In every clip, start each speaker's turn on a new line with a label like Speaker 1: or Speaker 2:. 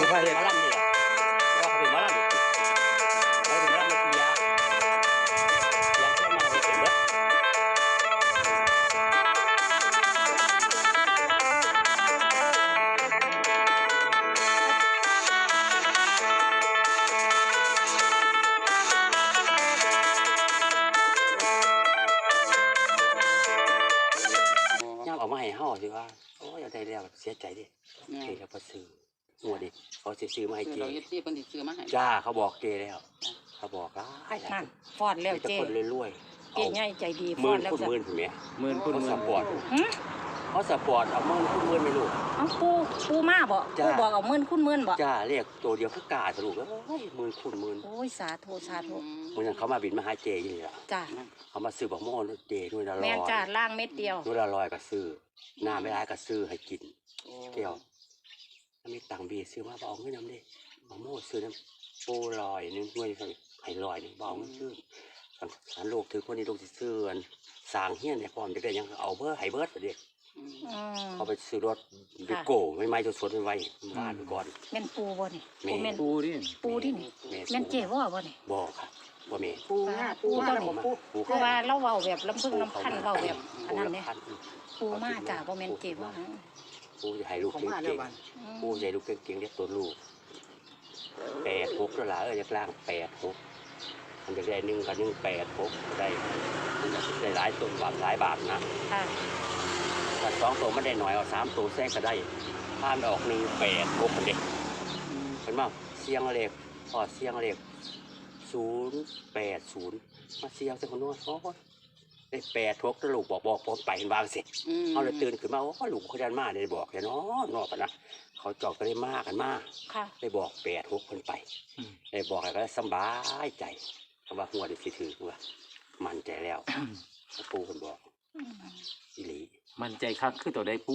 Speaker 1: พาเห็ด
Speaker 2: มาล่ำนี่แหละแต่ว่าเขาเป็นมาล่ำนี่เขาเป็นมาล่ำนี่ยาเพื่อนมาให้เป็นเบิดย่างออกมาให้ห่อสิว่าโอ้ยเอาได้แล้วเสียใจดิเกย์แล้วก็ซื้อหัวดิเขาซื้อมาให้เกย์จ้าเขาบอกเกย์แล้วเขาบอกร้ายนั่น
Speaker 3: ฟอดแล้วเจ๊
Speaker 2: คนรวย
Speaker 3: เจ๊ใหญ่ใจดี
Speaker 2: ฟอดแล้วหมื่นคุณแม่
Speaker 1: หมื่นคุณ
Speaker 2: สปอร์ตเขาสปอร์ตเอาหมื่นคุณหมื่นไม่รู้
Speaker 3: เอาปูมาบ่ปูบอกเอาหมื่นคุณหมื่นบ่
Speaker 2: จ้าเรียกตัวเดียวคือกาสรุปแล้วหมื่นคุณหมื่น
Speaker 3: โอ้ยสาธุสาธุ
Speaker 2: เหมือนเขามาบินมาหาเจอยู่นี่แหละ
Speaker 3: จ้า
Speaker 2: เขามาซื้อบักโม่เจด้วยละร้อย
Speaker 3: แม่จ้าล่างเม็ดเดียว
Speaker 2: ด้วยละร้อยก็ซื้อหน้าไม่ร้ายก็ซื้อให้กินเกี่ยวถ้ามีตังบีซื้อมาบอกเงินน้ำดิบักโม่ซื้อน้ำปูลอยนึงด้วยให้ลอยนึงบอกเงินซื้อสารโลกถือคนนี้โลกที่ซื้อสางเฮี้ยนเนี่ยพร้อมจะได้ยังเอาเบอร์ไฮเบิร์ดเด็กเขาไปซื้อรถดิโก้ไม่จะสวนไม่ไว้บ้านไปก่อน
Speaker 3: แม่นปูบ่นี่
Speaker 1: ปูดิ
Speaker 3: ปูที่นี่แม่นเจ๋ว่าบ่นี่
Speaker 2: บ่ค่ะบ่แม่
Speaker 3: ปูตัวนี้เพราะว่าเราเว้าแบบลำพึ่งลำพันเว้าแบบอันนั้นเนี่ยปูมาจ้าบ่แม่นเจ๋ว่า
Speaker 2: ปูจะให้ลูกเก่งๆปูจะให้ลูกเก่งๆเรียกตัวลูก86แล้วล่ะจะกลาง86มันจะได้1กับ1 86ได้หลายตัวหลายบาทนะถ้า2ตัวไม่ได้หน่อยเอา3ตัวแทรกก็ได้ผ่านออก1 8 6เด็กเห็นมั้ยเสียงเลขพอเสียงเลข080มาเสียงเสียงคนโน้นโอ้ยได้86แล้วลูกบอกผมไปเห็นวางเสร็จเอาเลยตื่นขึ้นมาโอ้ลูกเขาดันมาได้บอกเลยเนาะนอกกันนะเขาจอกก็ได้มากกันมากได้บอก86คนไปได้บอกอะไรก็สบายใจคำว่าหัวได้สิถือว่ามั่นใจแล้วปูคนบอกอีหลี
Speaker 1: มั่นใจคักคือตัวใดปู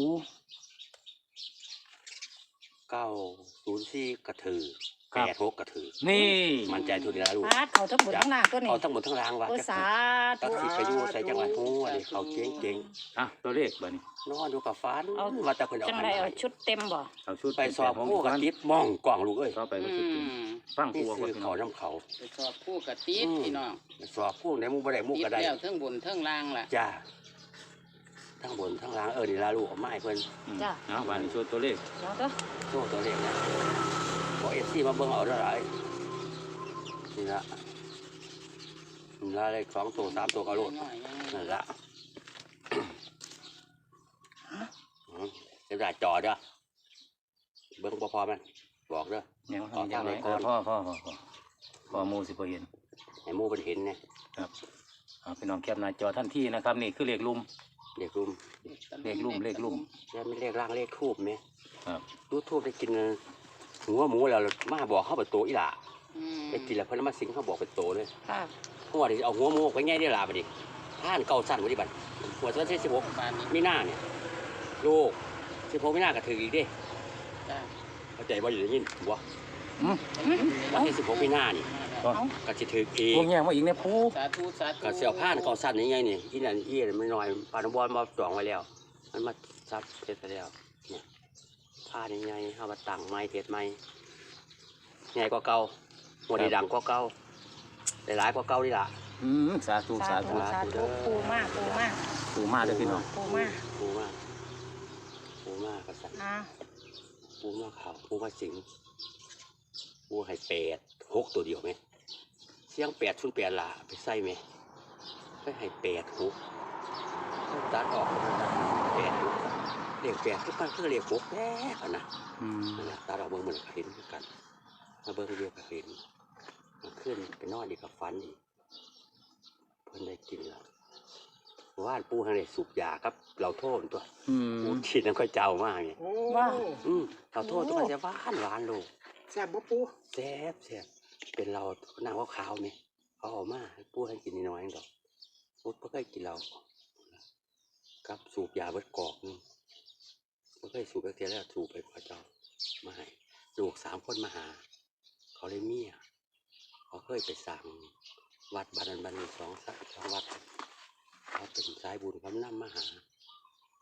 Speaker 2: 904กระถือ86กระถือ
Speaker 1: นี่
Speaker 2: มั่นใจทุนแล้วลูก
Speaker 3: เขาทั้งหมดทั้งนางตัวนี้
Speaker 2: เขาทั้งหมดทั้งรางว่ะ
Speaker 3: สา
Speaker 2: ธุตัดสิไปอยู่ใส่จังหวัดหัวนี่เขาเก่ง
Speaker 1: ตัวเลขบ่นี่
Speaker 2: นอนดูกับฟ้าว่าแต่คน
Speaker 3: จังไรเอาชุดเต็มบ่
Speaker 1: เอาชุด
Speaker 2: ไปสอบผู้กระติบมองกล่องลูกเอ้ย
Speaker 1: ไปก็ชุดฟังผู้
Speaker 2: ก็เขาน้ำเขา
Speaker 4: ไปสอบผู้กระติบพี่น้อง
Speaker 2: สอบผู้ในมุกบ่ได้มุกก็ได้
Speaker 4: แล้วทั้งบนทั้งล่างล่ะ
Speaker 2: จ้าทั้งบนทั้งล่างนี่ลาลูกเอาไม้เพิ่น
Speaker 3: จ้า
Speaker 1: เอาบ้านนี้ชุดตัวเลข
Speaker 2: ตัวเลขนะบอกFCมาเบิ่งเอาเท่าไหร่นี่ละเลข2ตัว3ตัวก็โลดนั่นละเดี๋ยวได้จอเด้อเบิ่งพอมันบอกเด้อ
Speaker 1: ยังไงพ่อมูสิบ่เห็น
Speaker 2: ให้มูเป็นเห็นนะครับ
Speaker 1: พี่น้องแคปหน้าจอท่านที่นะครับนี่คือเลขลุ่ม
Speaker 2: เลขลุ่มแล้วมีเลขล่างเลขทูบไหม
Speaker 1: ครับ
Speaker 2: ดูทูบได้กินหัวหมูแล้วมาบอกเข้าไปโตอีหล่าได้กินแล้วเพิ่นมาสิงเขาบอกเป็นโตเลยหัวดิเอาหัวหมูไปง่ายได้หล่าไปดิท่านเก่าสั้นวันนี้บัดหัวสั้น16มีหน้าเนี่ยลูก16มีหน้าก็ถืออีกดิเข้าใจว่าอยู่ในนี้หัววันที่16มีหน้านี่ก็จะถืออีก
Speaker 1: พวกแง่มาอีกเนี่ยผู้
Speaker 2: ก็เสี่ยวผ้านเก่าสั้นนี่ไงนี่ที่นั่นที่มันหน่อยปานบอลมาจองไว้แล้วมันมาซับเสร็จไปแล้วเนี่ยผ้านี่ไงเอามาตั้งไม้เทศไม้ใหญ่กว่าเก่าหัวดีดังกว่าเก่าหลายกว่าเก่าดีละ
Speaker 1: สาธุ
Speaker 3: ปูมาก
Speaker 1: เลยพี่น้อง
Speaker 2: ปูมากกษัตริย์ปูมากขาวปูมาสิงปูให้86ตัวเดียวไหมเสียง808ล่ะไปใส่ไหมไปให้86ตัดออก86เลข8คือมันคือเลข6แน่กันนะนั่นแหละตัดออกเบิ่งเหมือนเห็นกันมาเบิ่งเดียวกับเห็นขึ้นไปนอนดีกับฟันอีกเพิ่นได้กินแล้วว่านปูทางไหนสูบยาครับเราโทษตัวปูฉีดน้ำข้าวเจ้ามากไง
Speaker 3: ว่า
Speaker 2: เราโทษตัวมันจะหวานลูก
Speaker 4: แซ่บบ่ปู
Speaker 2: แซ่บเป็นเราหน้าขาวไหมเขาออกมาปูให้กินน้อยๆดอกปูเพิ่งเคยกินเรากับสูบยาเบิดกอกนึงเพิ่งเคยสูบไปเทียแล้วสูบไปข้าวเจ้ามาให้ลูก3คนมาหาเขาเลยเมียเขาเคยไปสั่งวัดบัน2 วัดเขาเป็นสายบุญคำนำมาหา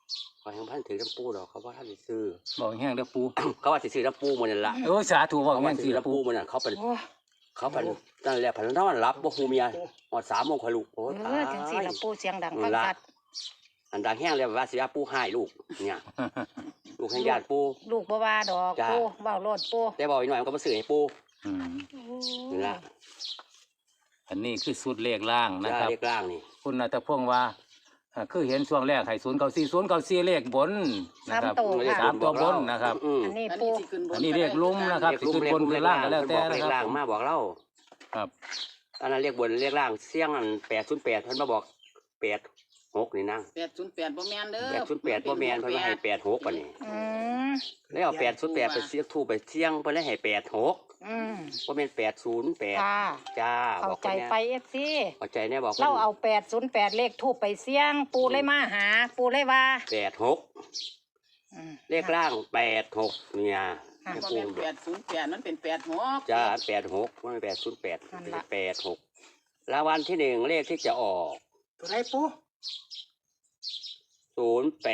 Speaker 2: ขอให้พันถือน้ำปูดอกเขาว่าท่านสิซื้อ
Speaker 1: บอกแห้งเด้อปู
Speaker 2: เขาว่าสิซื้อน้ำปูมันนั่นละ
Speaker 1: โอ้ยสาธุบอก
Speaker 2: เขา
Speaker 1: แห้
Speaker 2: ว่าง
Speaker 1: สิ
Speaker 2: ซื้อ
Speaker 1: ละ
Speaker 2: น้ำ
Speaker 1: ปู
Speaker 2: ปูมันนั่นเขาเป็น
Speaker 3: โอ้
Speaker 2: นั่นแหละพันนอนรับบ่ฮูเมียหอด3 โมงคอยลูกโอ้ย
Speaker 3: จังซี่ละปูเสียงดัง
Speaker 2: นั่
Speaker 3: ฟั
Speaker 2: น
Speaker 3: ง
Speaker 2: ละ
Speaker 3: ชัด
Speaker 2: อันดังแห้งเลยว่าสิอาปูให้ลูกเนี่ยลูกให้ญาติปู
Speaker 3: ลูกบ่ว่าดอก
Speaker 2: จ้า
Speaker 3: ปูเว้าโลดปู
Speaker 2: แต่บอกอีกหน่อยมันก็มาซื้อให้ปู
Speaker 1: อืม
Speaker 2: นี่ละ
Speaker 1: อันนี้คือสุดเลขล่างนะ
Speaker 2: จ้า
Speaker 1: ครับ
Speaker 2: เลขล่างนี่
Speaker 1: คุณนัทพงศ์ว่าคือเห็นช่วงแรกให้094เลขบนนะครับ สามตัวบนนะครับ
Speaker 3: อันนี้
Speaker 4: อัน
Speaker 3: ปู
Speaker 4: นี้สิขึ้นบน
Speaker 1: อันนี้เรียกลุ้มนะครับ
Speaker 2: เลขลุ่ม
Speaker 1: คือบนคือล่างก็แล้วแต่
Speaker 2: เล
Speaker 1: นะ
Speaker 2: ข
Speaker 1: ครั
Speaker 2: ล่า
Speaker 1: บ
Speaker 2: ง
Speaker 1: ผม
Speaker 2: มาบอกเล่า
Speaker 1: ครับ
Speaker 2: อันนั้นเรียกบนเรียกล่างเสี่ยงอัน808เพิ่นมาบอก86นี่นั่ง
Speaker 4: 808บ่แม่นเด้อ
Speaker 2: 808บ่แม่นเพิ่นมาให้86ปานนี้
Speaker 3: อืม
Speaker 2: แล้วเอา808ไปเสี่ยงทูบไปเสี่ยงเพิ่นเลยให้86
Speaker 3: อืม
Speaker 2: บ่แม่น808
Speaker 3: ค่ะ
Speaker 2: จ้า
Speaker 3: เข้า
Speaker 2: บอก
Speaker 3: ใจ
Speaker 2: คนเนี้ย
Speaker 3: ไป FC
Speaker 2: เข้าใจแน่บอก
Speaker 3: เราเอา808เลขทูปไปเสี่ยง ปูเลยมาหา ปูเลยว่า
Speaker 2: 86
Speaker 3: อืม
Speaker 2: เลขล่าง86เนี่ย
Speaker 3: อ่ะ
Speaker 2: แม่
Speaker 4: บ่
Speaker 2: ปู
Speaker 4: แม่น808มันเป็น86
Speaker 2: จ้า86มัน808
Speaker 3: นั่น
Speaker 2: เป็น
Speaker 3: ล่ะ
Speaker 2: 86รางวัลที่หนึ่งเลขที่จะออก
Speaker 4: ตัวไหนปู
Speaker 2: 085904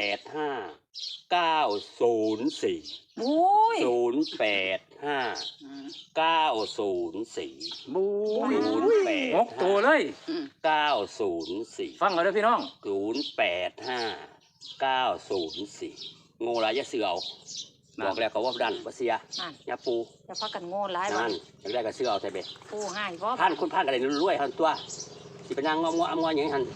Speaker 3: อุ้ย
Speaker 2: 085
Speaker 4: อืม
Speaker 2: 904
Speaker 1: บู๊ย
Speaker 2: 085
Speaker 1: หกตัวเลย
Speaker 4: อืม
Speaker 2: 904
Speaker 1: ฟังเอาเด้อพี่น้อง
Speaker 2: 085 904งูหลายอยะเสือเอา
Speaker 1: นั่น
Speaker 2: บอกแล้วเขาว่าดันว่าเสีย
Speaker 3: นั่น
Speaker 2: ยาปู
Speaker 3: จะพักกันโง่หลายวั
Speaker 2: นั่
Speaker 3: น
Speaker 2: นอยากได้ก็เสือเอาใส่เบ็ด
Speaker 3: ปูให้บ่
Speaker 2: พันคุณพันอะไรรวยๆพันตัวสิเป็นนางงอมๆอย่างนี้หัน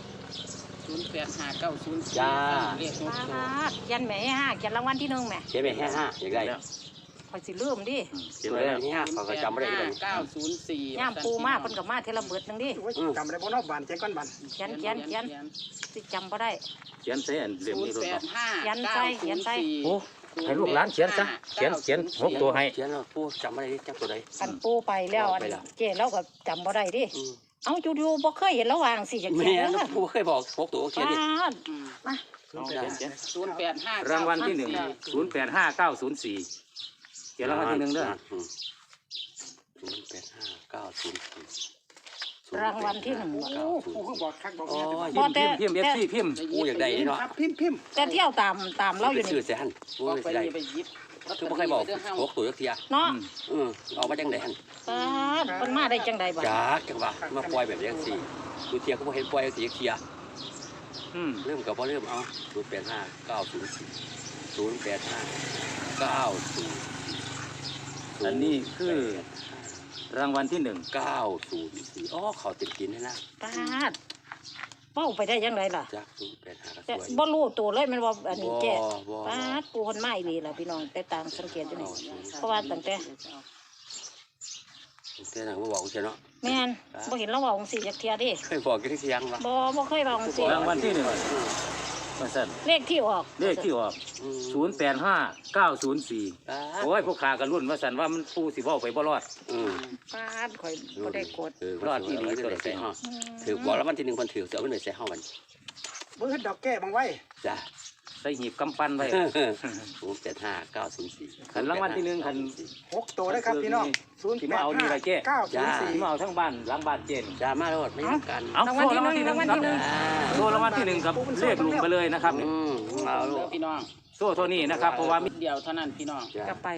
Speaker 4: 085904
Speaker 2: จ้า
Speaker 4: เลข
Speaker 3: ป
Speaker 4: 6ตัว
Speaker 3: าดเขียนแม่ให้เขียนรางวัลที่1แม่
Speaker 2: เจ๊ไปแค่5อยากได้
Speaker 3: ข่อยสิลืมดิ
Speaker 1: เก็บ
Speaker 2: ตัว
Speaker 1: ไว้แล้ว
Speaker 2: นี้5เขาก็จำไม่ได้เลย
Speaker 4: 904
Speaker 3: ย่ามปูมาเพิ่นก็มาเทอละเบิดหนึงดิ
Speaker 4: จำได้บ่เนาะบ้านใจก่อนบ้าน
Speaker 3: เขียนสิจำบ่ได้
Speaker 1: เขียนเส้นเหลี่ยมนี้รถเนาะ
Speaker 4: 085904
Speaker 1: โอ้ให้ลูกหลานเขียนซะเขียนหกตัวให้
Speaker 2: เขียนแล้วปูจำไม่ได้ดิจำตัวใด
Speaker 3: กันปูไปแล้วอัน
Speaker 2: ไปแล้ว
Speaker 3: เจ๊เราก็จำบ่ได้ดิ
Speaker 2: อืม
Speaker 3: เอาอยู่ๆบ่เคยเห็นระหว่างสิจัก
Speaker 2: แม่
Speaker 3: เขียน
Speaker 2: น
Speaker 3: เด้อ
Speaker 2: ปูเคยบอก6ตัวเขียนดิ
Speaker 3: ปาดมา
Speaker 1: เอาเขียน
Speaker 4: 085
Speaker 1: รางวัลที่1085904เขียนรางวัลที่1เด้อ
Speaker 2: 085904
Speaker 3: รางวัลที่1
Speaker 4: ปูเขาบอกคักบอก
Speaker 2: โอ้
Speaker 4: แม่
Speaker 2: ย
Speaker 1: พิมพ์ FC พิมพ์
Speaker 2: ปูอยากได้นี่เนาะ
Speaker 4: ครับพิมพ์
Speaker 3: แต่เที่ยวตามเราอยู่
Speaker 2: ไป
Speaker 3: นี่
Speaker 2: ซื้อเสียหันปู
Speaker 4: บอก
Speaker 2: ไม่
Speaker 4: ไป
Speaker 2: ได้
Speaker 4: นี่ไปหยิบ
Speaker 2: คือบ่เคยบอก6ตัวจักเทีย
Speaker 3: เนาะ
Speaker 2: เอามาจังได๋หั่น
Speaker 3: ปาดเพิ่นมาได้จังใดบัด
Speaker 2: จังว่ามาปล่อยแบบจังซี่กูเทียก็บ่เห็นปล่อยจังซี่จักเทีย
Speaker 1: อืม
Speaker 2: เริ่มก็บ่เริ่มเอา085904 085 904
Speaker 1: อันนี้คือรางวัลที่1
Speaker 2: 904อ๋อเขาเต็มกินให้นะ
Speaker 3: ปาดเป้าไปได้จังไดล่ะ
Speaker 2: จัก085ก็ส
Speaker 3: แต่
Speaker 2: วย
Speaker 3: บ่รู้ตัวเลยแมันว่าอันนี้แจ้
Speaker 2: บ่
Speaker 3: ปาดปูคนมาอีหลีล่ะพี่น้องแต่ต่างสังเกตอยู่นี่เพราะว่าตั้งแต่
Speaker 2: แต่หนังบ่บอกกูเนาะ
Speaker 3: แม่นบ่เห็นเราเว้าจังซี่จักเที่ยดิ
Speaker 2: เคยบอกกันที่ยังวะ
Speaker 3: บ่เคยเว้าจังซี่
Speaker 1: รางวัลที่1ว่าซั่น
Speaker 3: เลขที่ออก
Speaker 1: เลขที่ออก085904โอ้ยพวกขากันรุ่นว่าซั่นว่ามันปูสิเว้าไปบ่รอด
Speaker 3: ปาดข่อยบ่ได้กด
Speaker 2: รอดที่นี่ตัวใส่ห้องถือบอกแล้ววันที่1คนถือเสือมันใส่ห้องมัน
Speaker 4: บ่เฮ็ดดอกแก้บังไว้
Speaker 2: จ้ะ
Speaker 1: ใส่หีบกำปั้นไว้
Speaker 2: 085 904
Speaker 1: คันรางวัลที่1คัน
Speaker 4: 6ตัวนะครับพี่น้อง
Speaker 1: ที่มาเอานี่ล่ะเจ๊
Speaker 4: 085
Speaker 1: ที่มาเอาทั้งบ้านหลังบ้านเจน
Speaker 2: จ้ามาโลดไม่ต้องกัน
Speaker 1: เอาโซ่รางวัลที่1ครับโซ่รางวัลที่1ครับเลขลุงไปเลยนะครับ
Speaker 2: เอาโล
Speaker 4: เด้อ
Speaker 2: ด
Speaker 4: พี่น้อง
Speaker 1: โซ่เท่านี้นะครับเพราะว่ามี
Speaker 4: เดียวเท่านั้นพี่น้อง
Speaker 2: จ้ะ
Speaker 3: กลับไป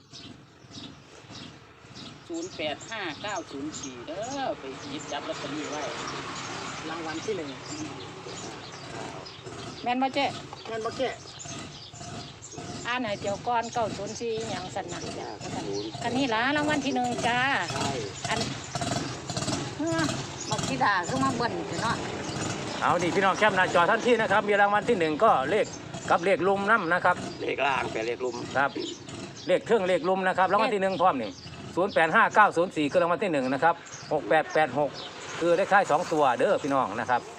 Speaker 4: 085904เด้อไปหยิบจับลอตเตอรี่ไว้รางวัลที่1
Speaker 3: แม่นบ่เจ๊
Speaker 4: แม่นบ่แก้
Speaker 3: อ่านให้เดี๋ยวก่อน904หยังสั่นน่ะคันนี้ล่ะรางวัลที่1จ้า
Speaker 2: ใช่
Speaker 3: อันบักธิดาคือมาเบิ่นเนาะ
Speaker 1: เอานี่พี่น้องแคปหน้าจอท่านที่นะครับมีรางวัลที่1ก็เลขกับเลขลุมน้ำนะครับ
Speaker 2: เลขล่างเป็นเลขลุม
Speaker 1: ครับเลขเครื่องเลขลุมนะครับรางวัลที่1พร้อมนี่085904คือรางวัลที่1นะครับ6886คือเลขท้าย2ตัวเด้อพี่น้องนะครับ